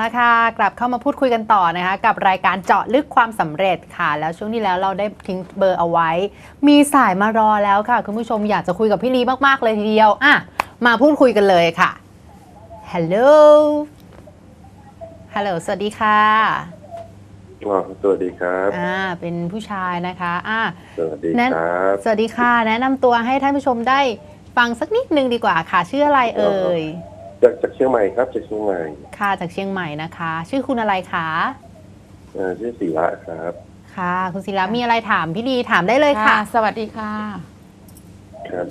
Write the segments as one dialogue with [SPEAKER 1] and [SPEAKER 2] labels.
[SPEAKER 1] ค่ะกลับเข้ามาพูดคุยกันต่อนะคะกับรายการเจาะลึกความสำเร็จค่ะแล้วช่วงที่แล้วเราได้ทิ้งเบอร์เอาไว้มีสายมารอแล้วค่ะคุณผู้ชมอยากจะคุยกับพี่ลีมากๆเลยทีเดียวมาพูดคุยกันเลยค่ะฮัลโหลสวัสดีค่ะ
[SPEAKER 2] สวัสดีครับ
[SPEAKER 1] เป็นผู้ชายนะคะ
[SPEAKER 2] สวัสดีครับ
[SPEAKER 1] สวัสดีค่ะแนะนำตัวให้ท่านผู้ชมได้ฟังสักนิดนึงดีกว่าค่ะชื่ออะไรเอ่ย
[SPEAKER 2] จากเชียงใหม่ครับจากเชียงใหม่
[SPEAKER 1] ค่ะจากเชียงใหม่นะคะชื่อคุณอะไรคะ
[SPEAKER 2] ชื่อศิระครับ
[SPEAKER 1] ค่ะคุณศิระมีอะไรถามพี่ลีถามได้เลยค่ะ
[SPEAKER 3] สวัสดีค่ะ
[SPEAKER 2] ครับ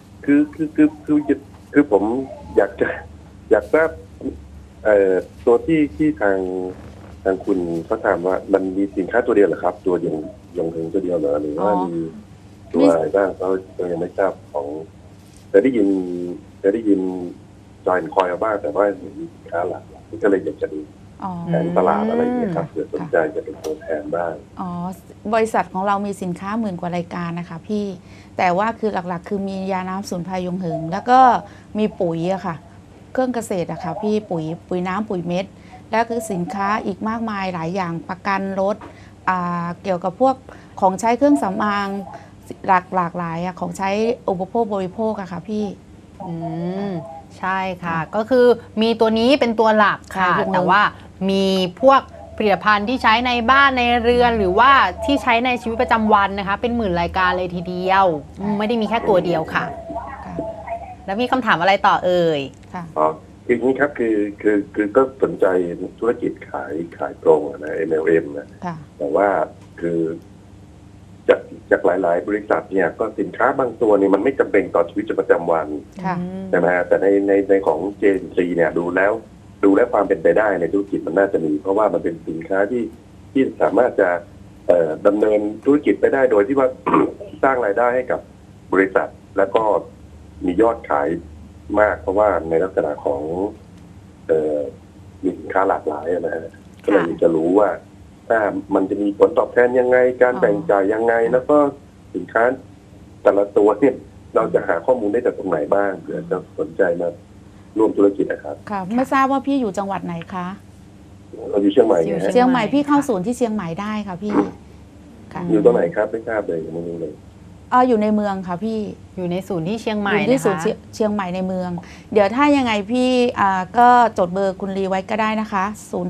[SPEAKER 2] คือผมอยากทราบตัวที่ทางคุณเขาถามว่ามันมีสินค้าตัวเดียวเหรอครับตัวอย่างถึงตัวเดียวเหรอหรือว่ามีตัวอะไรบ้างเขายังไม่ทราบของแต่ได้ยินจอยคอยบ้างแต่ว่ามีสินค้าหลักก็เลยอยากจะดูแผนตลาดอะไรอย่างเงี้ยครับเผื่อสนใจจะเป็นตัวแทนบ้าง
[SPEAKER 3] บริษัทของเรามีสินค้า10,000 กว่ารายการนะคะพี่แต่ว่าคือหลักๆคือมียาน้ำสมุนไพรยงหึงแล้วก็มีปุ๋ยอะค่ะเครื่องเกษตรอะค่ะพี่ปุ๋ยน้ำปุ๋ยเม็ดแล้วคือสินค้าอีกมากมายหลายอย่างประกันรถเกี่ยวกับพวกของใช้เครื่องสำอางหลากหลายของใช้อุปโภคบริโภคอะค่ะพี่
[SPEAKER 1] ใช่ค่ะก็คือมีตัวนี้เป็นตัวหลักค่ะแต่ว่ามีพวกผลิตภัณฑ์ที่ใช้ในบ้านในเรือนหรือว่าที่ใช้ในชีวิตประจำวันนะคะเป็น10,000 รายการเลยทีเดียวไม่ได้มีแค่ตัวเดียวค่ะแล้วมีคำถามอะไรต่อเอ่ย
[SPEAKER 3] ค่ะ
[SPEAKER 2] คืออย่างนี้ครับคือก็สนใจธุรกิจขายตรงนะ MLM นะแต่ว่าคือจากหลายๆบริษัทเนี่ยก็สินค้าบางตัวเนี่ยมันไม่จำเป็นต่อชีวิตประจำวันใช่ไหมฮะแต่ในของ JNC เนี่ยดูแล้วความเป็นไปได้ในธุรกิจมันน่าจะมีเพราะว่ามันเป็นสินค้าที่สามารถจะดำเนินธุรกิจไปได้โดยที่ว่า สร้างรายได้ให้กับบริษัทแล้วก็มียอดขายมากเพราะว่าในลักษณะของมีสินค้าหลากหลายนะฮะก็เลยจะรู้ว่ามันจะมีผลตอบแทนยังไงการแบ่งจ่ายยังไงแล้วก็สินค้าแต่ละตัวเนี่ยเราจะหาข้อมูลได้จากตรงไหนบ้างเผื่อจะสนใจมาร่วมธุรกิจนะครับ
[SPEAKER 3] ค่ะไม่ทราบว่าพี่อยู่จังหวัดไหนคะ
[SPEAKER 2] เราอยู่เชียงใหม่
[SPEAKER 3] เชียงใหม่พี่เข้าศูนย์ที่เชียงใหม่ได้ค่ะพี่
[SPEAKER 2] อยู่ตรงไหนครับไม่ทราบเลยยังไม่รู้เลย
[SPEAKER 3] อยู่ในเมืองค่ะพี่
[SPEAKER 1] อยู่ในศูนย์ที่เชียงใหม่
[SPEAKER 3] อยู่ที่ศูนย์เชียงใหม่ในเมืองเดี๋ยวถ้ายังไงพี่ก็จดเบอร์คุณลีไว้ก็ได้นะคะ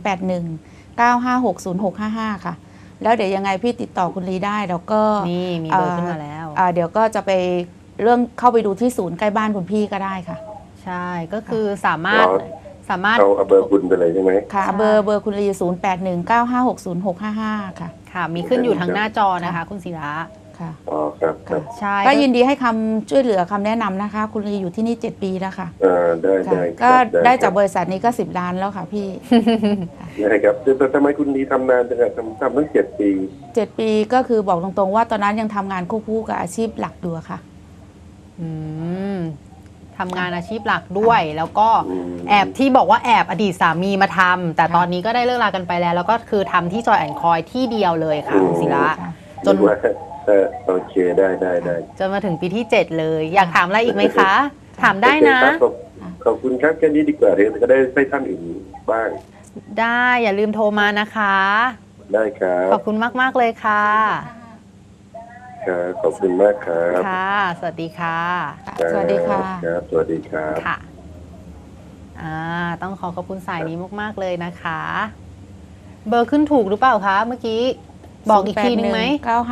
[SPEAKER 3] 0819560655ค่ะแล้วเดี๋ยวยังไงพี่ติดต่อคุณลีได้แล้วก็
[SPEAKER 1] นี่มีเบอร์ขึ้นมาแล้ว
[SPEAKER 3] เดี๋ยวก็จะไปเรื่องเข้าไปดูที่ศูนย์ใกล้บ้านคุณพี่ก็ได้ค่ะ
[SPEAKER 1] ใช่ก็คือสามารถ
[SPEAKER 2] เอาเบอร์คุณไปเลยใช่ไหม
[SPEAKER 3] ค่ะเบอร์คุณลี0819560655ค่ะ
[SPEAKER 1] มีขึ้นอยู่ทางหน้าจอนะคะคุณศิระ
[SPEAKER 3] ค่ะ
[SPEAKER 2] ครับ
[SPEAKER 3] ใช่ก็ยินดีให้คำช่วยเหลือคำแนะนำนะคะคุณลีอยู่ที่นี่7 ปีแล้วค่ะ
[SPEAKER 2] ได้
[SPEAKER 3] ก็ได้จากบริษัทนี้ก็10 ล้านแล้วค่ะพี่
[SPEAKER 2] ได้ครับแต่ทำไมคุณลีทำนานจังทำตั้ง7 ปี
[SPEAKER 3] 7 ปีก็คือบอกตรงๆว่าตอนนั้นยังทำงานควบคู่กับอาชีพหลักอยู่ค่ะ
[SPEAKER 1] ทำงานอาชีพหลักด้วยแล้วก็แอบที่บอกว่าแอบอดีตสามีมาทำแต่ตอนนี้ก็ได้เลิกลากันไปแล้วก็คือทำที่จอยแอนด์คอยที่เดียวเลยค่ะคุณศิระ
[SPEAKER 2] จนโอเคได้
[SPEAKER 1] จนมาถึงปีที่7เลยอยากถามอะไรอีกไหมคะถามได้นะ
[SPEAKER 2] ขอบคุณครับแค่นี้ดีกว่าเดี๋ยวจะได้ให้ท่านอื่นบ้าง
[SPEAKER 1] ได้อย่าลืมโทรมานะคะ
[SPEAKER 2] ได้ครับ
[SPEAKER 1] ขอบคุณมากเลยค่ะ
[SPEAKER 2] ขอบคุณมากครับ
[SPEAKER 1] ค่ะสวัสดีค่ะ
[SPEAKER 3] สวัสดีค่ะ
[SPEAKER 2] ครับสวัสดีครับ
[SPEAKER 1] ค่ะต้องขอบคุณสายนี้มากๆเลยนะคะเบอร์ขึ้นถูกหรือเปล่าคะเมื่อกี้บอกอีกทีนึงไหม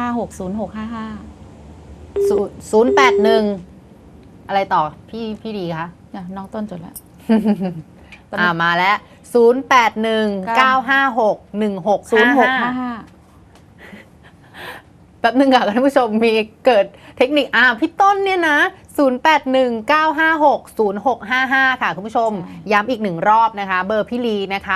[SPEAKER 3] 9560655
[SPEAKER 1] 081อะไรต่อพี่ดีคะ
[SPEAKER 3] น้องต้นจดแล้ว
[SPEAKER 1] มาแล้ว0819561655แป๊บนึงค่ะท่านผู้ชมมีเกิดเทคนิคพี่ต้นเนี่ยนะ0819560655ค่ะคุณผู้ชมย้ำอีก1 รอบนะคะเบอร์พี่ลีนะคะ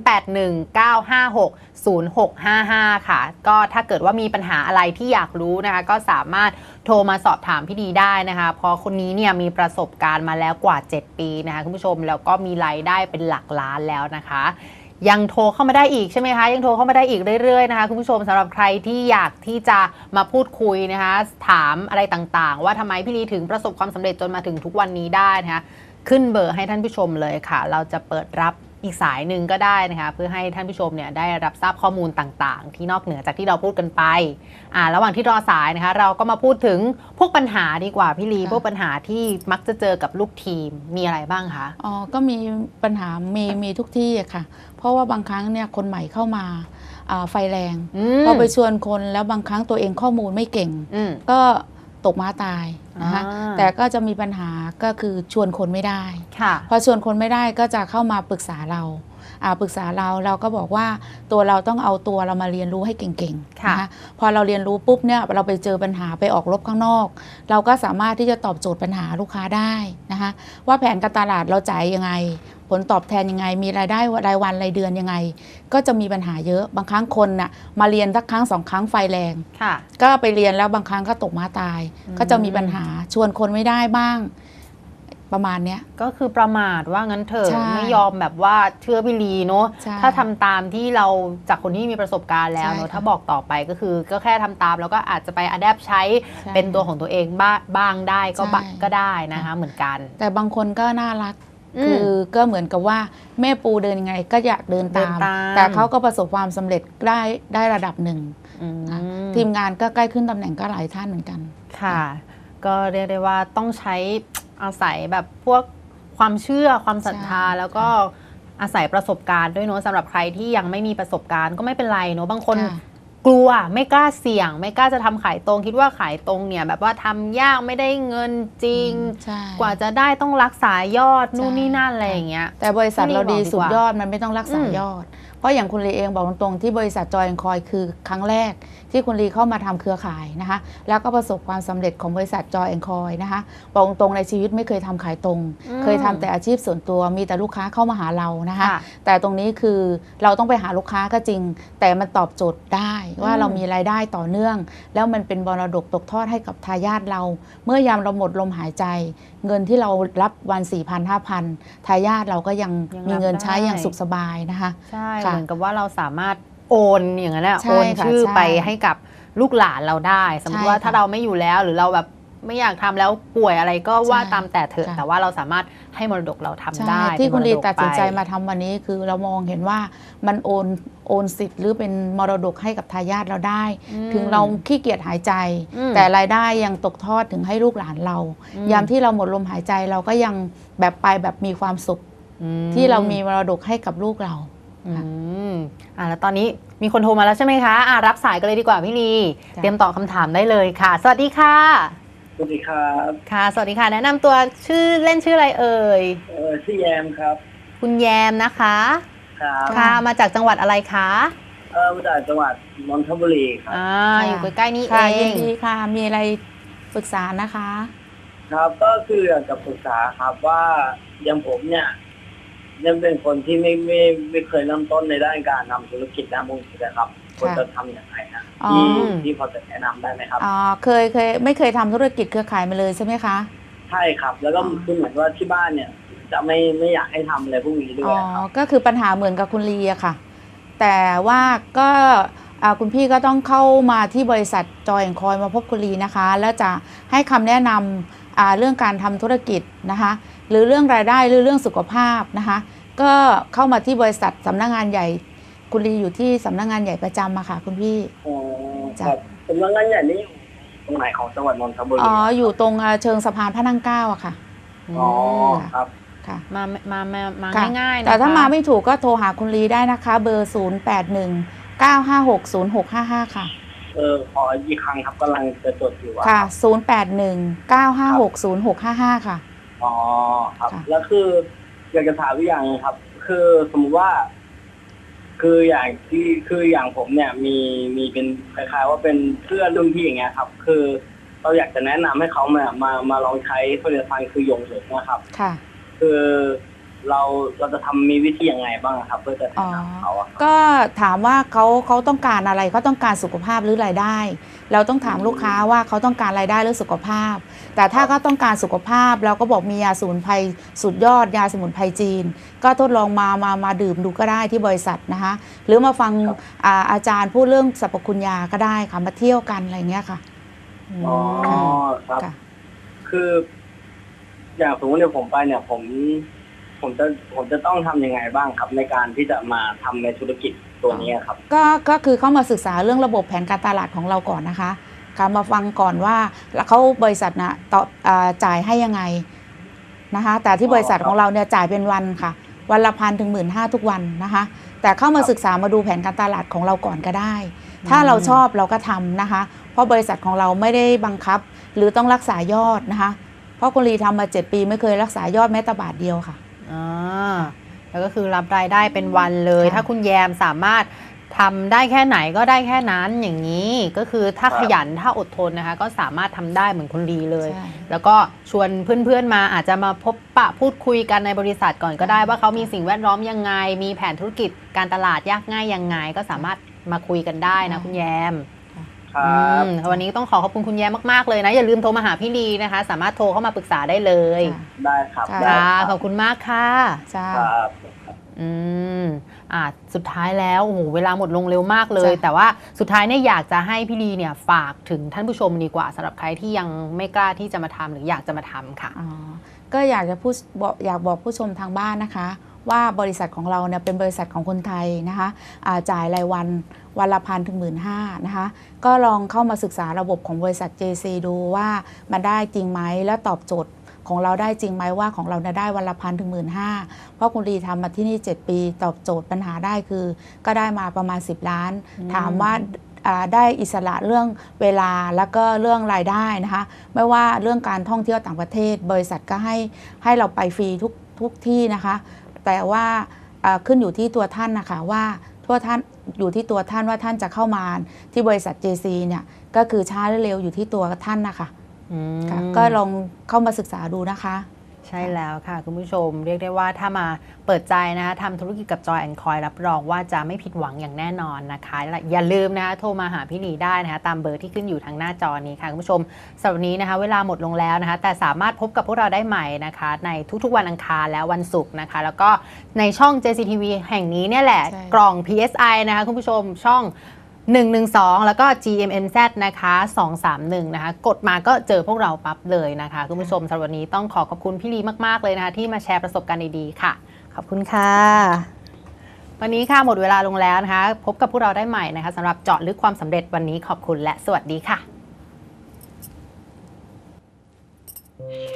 [SPEAKER 1] 0819560655ค่ะก็ถ้าเกิดว่ามีปัญหาอะไรที่อยากรู้นะคะก็สามารถโทรมาสอบถามพี่ดีได้นะคะเพราะคนนี้เนี่ยมีประสบการณ์มาแล้วกว่า7 ปีนะคะคุณผู้ชมแล้วก็มีรายได้เป็นหลักล้านแล้วนะคะยังโทรเข้ามาได้อีกใช่ไหมคะยังโทรเข้ามาได้อีกเรื่อยๆนะคะคุณผู้ชมสำหรับใครที่อยากที่จะมาพูดคุยนะคะถามอะไรต่างๆว่าทำไมพี่ลีถึงประสบความสำเร็จจนมาถึงทุกวันนี้ได้นะคะขึ้นเบอร์ให้ท่านผู้ชมเลยค่ะเราจะเปิดรับอีกสายหนึ่งก็ได้นะคะเพื่อให้ท่านผู้ชมเนี่ยได้รับทราบข้อมูลต่างๆ ที่นอกเหนือจากที่เราพูดกันไประหว่างที่รอสายนะคะเราก็มาพูดถึงพวกปัญหาดีกว่าพี่ลีพวกปัญหาที่มักจะเจอกับลูกทีมมีอะไรบ้างคะ
[SPEAKER 3] อ๋อก็มีปัญหามีทุกที่อะค่ะเพราะว่าบางครั้งเนี่ยคนใหม่เข้ามาไฟแรงพอไปชวนคนแล้วบางครั้งตัวเองข้อมูลไม่เก่งก็ตกม้าตายนะคะแต่ก็จะมีปัญหาก็คือชวนคนไม่ได้พอชวนคนไม่ได้ก็จะเข้ามาปรึกษาเราปรึกษาเราก็บอกว่าตัวเราต้องเอาตัวเรามาเรียนรู้ให้เก่งๆนะคะพอเราเรียนรู้ปุ๊บเนี่ยเราไปเจอปัญหาไปออกรบข้างนอกเราก็สามารถที่จะตอบโจทย์ปัญหาลูกค้าได้นะคะว่าแผนการตลาดเราจ่ายยังไงผลตอบแทนยังไงมีรายได้รายวันรายเดือนยังไงก็จะมีปัญหาเยอะบางครั้งคนน่ะมาเรียนสักครั้ง2 ครั้งไฟแรงก็ไปเรียนแล้วบางครั้งก็ตกม้าตายก็จะมีปัญหาชวนคนไม่ได้บ้างประมาณเนี้ย
[SPEAKER 1] ก็คือประมาทว่างั้นเถอะไม่ยอมแบบว่าเชื่อพี่ลีเนาะถ้าทำตามที่เราจากคนที่มีประสบการณ์แล้วเนาะถ้าบอกต่อไปก็คือก็แค่ทำตามแล้วก็อาจจะไปอัดแอปใช้เป็นตัวของตัวเองบ้างได้ก็ได้นะคะเหมือนกัน
[SPEAKER 3] แต่บางคนก็น่ารักคือก็เหมือนกับว่าแม่ปูเดินยังไงก็อยากเดินตามแต่เขาก็ประสบความสำเร็จได้ระดับหนึ่งทีมงานก็ใกล้ขึ้นตำแหน่งก็หลายท่านเหมือนกัน
[SPEAKER 1] ค่ะก็เรียกได้ว่าต้องใช้อาศัยแบบพวกความเชื่อความศรัทธาแล้วก็อาศัยประสบการณ์ด้วยเนาะสำหรับใครที่ยังไม่มีประสบการณ์ก็ไม่เป็นไรเนาะบางคนกลัวไม่กล้าเสี่ยงไม่กล้าจะทำขายตรงคิดว่าขายตรงเนี่ยแบบว่าทำยากไม่ได้เงินจริงกว่าจะได้ต้องรักษายอดนู่นนี่นั่นอะไรอย่างเงี้ย
[SPEAKER 3] แต่บริษัทเราดีสุดยอดมันไม่ต้องรักษายอดเพราะอย่างคุณลีเองบอกตรงๆที่บริษัทจอยแอนด์คอยคือครั้งแรกที่คุณลีเข้ามาทำเครือข่ายนะคะแล้วก็ประสบความสำเร็จของบริษัทจอยแอนด์คอยนะคะบอกตรงในชีวิตไม่เคยทำขายตรงเคยทำแต่อาชีพส่วนตัวมีแต่ลูกค้าเข้ามาหาเรานะคะแต่ตรงนี้คือเราต้องไปหาลูกค้าก็จริงแต่มันตอบโจทย์ได้ว่าเรามีรายได้ต่อเนื่องแล้วมันเป็นมรดกตกทอดให้กับทายาทเราเมื่อยามเราหมดลมหายใจเงินที่เรารับวัน 4,000-5,000 ทายาทเราก็ยังมีเงินใช้อย่างสุขสบายนะคะ
[SPEAKER 1] ใช่เหมือนกับว่าเราสามารถโอนอย่างนั้นแหละโอนชื่อไปให้กับลูกหลานเราได้สมมติว่าถ้าเราไม่อยู่แล้วหรือเราแบบไม่อยากทำแล้วป่วยอะไรก็ว่าตามแต่เถอะแต่ว่าเราสามารถให้มรดกเราทำได้
[SPEAKER 3] ที่คุณลีตัดสินใจมาทำวันนี้คือเรามองเห็นว่ามันโอนสิทธิ์หรือเป็นมรดกให้กับทายาทเราได้ถึงเราขี้เกียจหายใจแต่รายได้ยังตกทอดถึงให้ลูกหลานเรายามที่เราหมดลมหายใจเราก็ยังแบบไปแบบมีความสุขที่เรามีมรดกให้กับลูกเรา
[SPEAKER 1] แล้วตอนนี้มีคนโทรมาแล้วใช่ไหมคะรับสายกันเลยดีกว่าพี่ลีเตรียมตอบคำถามได้เลยค่ะสวัสดีค่ะ
[SPEAKER 4] สวัสดีครับ
[SPEAKER 1] ค่ะสวัสดีค่ะแนะนำตัวชื่อเล่นชื่ออะไรเอ่ย
[SPEAKER 4] ชื่อแยมครับ
[SPEAKER 1] คุณแยมนะคะ
[SPEAKER 4] ครับ
[SPEAKER 1] ค่ะมาจากจังหวัดอะไรคะ
[SPEAKER 4] มาจากจังหวัดนนทบุรีครับ
[SPEAKER 1] อยู่ใกล้ๆนี่เอง
[SPEAKER 3] ยินดีค่ะมีอะไรปรึกษานะคะ
[SPEAKER 4] ครับก็คืออยากจะปรึกษาครับว่าอย่างผมเนี่ยยังเป็นคนที่ไม่เคยเริ่มต้นในด้านการทำธุรกิจด้านมุ้งนะครับควรจะทำอย่างไรนะที่พอจะแนะนำได้ไหมครับ
[SPEAKER 3] เคยไม่เคยทำธุรกิจเครือข่ายมาเลยใช่ไหมคะ
[SPEAKER 4] ใช่ครับแล้วก็คือเหมือนว่าที่บ้านเนี่ยจะไม่อยากให้ทำอะไรพวกนี้ด้วยครับ
[SPEAKER 3] ก็คือปัญหาเหมือนกับคุณลีอะค่ะแต่ว่าก็คุณพี่ก็ต้องเข้ามาที่บริษัทจอยแอนด์คอยมาพบคุณลีนะคะแล้วจะให้คำแนะนำเรื่องการทำธุรกิจนะคะหรือเรื่องรายได้หรือเรื่องสุขภาพนะคะก็เข้ามาที่บริษัทสำนักงานใหญ่คุณลีอยู่ที่สำนักงานใหญ่ประจำมาค่ะคุณพี่
[SPEAKER 4] ครับสำนักงานใหญ่นี้ตรงไหนของจังหวัดนนทบุรี
[SPEAKER 3] อยู่ตรงเชิงสะพานพระนั่งเกล้าอะค่ะ
[SPEAKER 4] ครับ
[SPEAKER 3] ค่ะ
[SPEAKER 1] มาง่ายๆ
[SPEAKER 3] แต่ถ้ามาไม่ถูกก็โทรหาคุณลีได้นะคะเบอร์0819560655ค่ะ
[SPEAKER 4] ขออีกครั้งครับกำลังจะจดอยู่
[SPEAKER 3] ค่ะ0819560655ค่ะ
[SPEAKER 4] ครับแล้วคืออยากจะถามอีกอย่างครับคือสมมติว่าคืออย่างผมเนี่ยมีเป็นคล้ายๆว่าเป็นเพื่อนรุ่นพี่อย่างเงี้ยครับคือเราอยากจะแนะนำให้เขามาลองใช้ผลิตภัณฑ์คือหยงเหริงนะครับ
[SPEAKER 3] ค่ะ
[SPEAKER 4] คือเราจะทำมีวิธียังไงบ้างครับเพื่อจะแนะนำเขา
[SPEAKER 3] ก็ถามว่าเขาต้องการอะไรเขาต้องการสุขภาพหรือรายได้เราต้องถามลูกค้าว่าเขาต้องการรายได้หรือสุขภาพแต่ถ้าเขาต้องการสุขภาพเราก็บอกมียาสมุนไพรสุดยอดยาสมุนไพรจีนก็ทดลองมาดื่มดูก็ได้ที่บริษัทนะคะหรือมาฟังอาจารย์พูดเรื่องสรรพคุณยาก็ได้ค่ะมาเที่ยวกันอะไรเงี้ยค่ะ
[SPEAKER 4] ครับคืออย่างสมมติเนี่ยผมไปเนี่ยผมผมจะต้องทำยังไงบ้างครับ ในการที่จะมาทำในธุรกิจตัวนี้ครับ
[SPEAKER 3] ก็คือเข้ามาศึกษาเรื่องระบบแผนการตลาดของเราก่อนนะคะการมาฟังก่อนว่าเขาบริษัทนะต่อจ่ายให้ยังไงนะคะแต่ที่บริษัทของเราเนี่ยจ่ายเป็นวันค่ะวันละ1,000 ถึง 15,000 ทุกวันนะคะแต่เข้ามาศึกษามาดูแผนการตลาดของเราก่อนก็ได้ ถ้าเราชอบเราก็ทำนะคะเพราะบริษัทของเราไม่ได้บังคับหรือต้องรักษายอดนะคะเพราะคุณลีทำมา7 ปีไม่เคยรักษายอดแม้แต่บาทเดียวค่ะ
[SPEAKER 1] แล้วก็คือรับรายได้เป็นวันเลย ถ้าคุณแยมสามารถทำได้แค่ไหนก็ได้แค่นั้นอย่างนี้ก็คือถ้าขยันถ้าอดทนนะคะก็สามารถทำได้เหมือนคุณลีเลย แล้วก็ชวนเพื่อนๆมาอาจจะมาพบปะพูดคุยกันในบริษัทก่อนก็ได้ว่าเขามีสิ่งแวดล้อมยังไงมีแผนธุรกิจการตลาดยากง่ายยังไงก็สามารถมาคุยกันได้นะคุณแยมวันนี้ต้องขอบคุณคุณแยมมากๆเลยนะอย่าลืมโทรมาหาพี่ลีนะคะสามารถโทรเข้ามาปรึกษาได้เลย
[SPEAKER 4] ได้ครับ
[SPEAKER 1] ขอบคุณมากค่ะ
[SPEAKER 4] ครับ
[SPEAKER 1] สุดท้ายแล้วโอ้โหเวลาหมดลงเร็วมากเลยแต่ว่าสุดท้ายเนี่ยอยากจะให้พี่ลีเนี่ยฝากถึงท่านผู้ชมดีกว่าสำหรับใครที่ยังไม่กล้าที่จะมาทำหรืออยากจะมาทำค่ะ
[SPEAKER 3] ก็อยากบอกผู้ชมทางบ้านนะคะว่าบริษัทของเราเนี่ยเป็นบริษัทของคนไทยนะคะจ่ายรายวันละ1,000 ถึง 15,000นะคะก็ลองเข้ามาศึกษาระบบของบริษัท JC ดูว่ามันได้จริงไหมและตอบโจทย์ของเราได้จริงไหมว่าของเราได้วันละ1,000 ถึง 15,000เพราะคุณลีทำมาที่นี่7 ปีตอบโจทย์ปัญหาได้คือก็ได้มาประมาณ10 ล้านถามว่าได้อิสระเรื่องเวลาแล้วก็เรื่องรายได้นะคะไม่ว่าเรื่องการท่องเที่ยวต่างประเทศบริษัทก็ให้เราไปฟรีทุกที่นะคะแต่ว่าขึ้นอยู่ที่ตัวท่านนะคะว่าท่านอยู่ที่ตัวท่านว่าท่านจะเข้ามาที่บริษัท JC เนี่ยก็คือช้าหรือเร็วอยู่ที่ตัวท่านนะคะก็ลองเข้ามาศึกษาดูนะคะ
[SPEAKER 1] ใช่แล้วค่ะคุณผู้ชมเรียกได้ว่าถ้ามาเปิดใจนะคะทำธุรกิจกับ Joy and Coin รับรองว่าจะไม่ผิดหวังอย่างแน่นอนนะคะอย่าลืมนะคะโทรมาหาพี่ลีได้นะคะตามเบอร์ที่ขึ้นอยู่ทางหน้าจอนี้ค่ะคุณผู้ชมสำหรับวันนี้นะคะเวลาหมดลงแล้วนะคะแต่สามารถพบกับพวกเราได้ใหม่นะคะในทุกๆวันอังคารและวันศุกร์นะคะแล้วก็ในช่อง JCTV แห่งนี้เนี่ยแหละกล่อง PSI นะคะคุณผู้ชมช่อง112แล้วก็ GMMZ นะคะ231นะคะกดมาก็เจอพวกเราปั๊บเลยนะคะคุณผู้ชมสำหรับวันนี้ต้องขอบคุณพี่ลีมากๆเลยนะคะที่มาแชร์ประสบการณ์ดีๆค่ะขอบคุณค่ะวันนี้ค่ะหมดเวลาลงแล้วนะคะพบกับพวกเราได้ใหม่นะคะสำหรับเจาะลึกความสำเร็จวันนี้ขอบคุณและสวัสดีค่ะ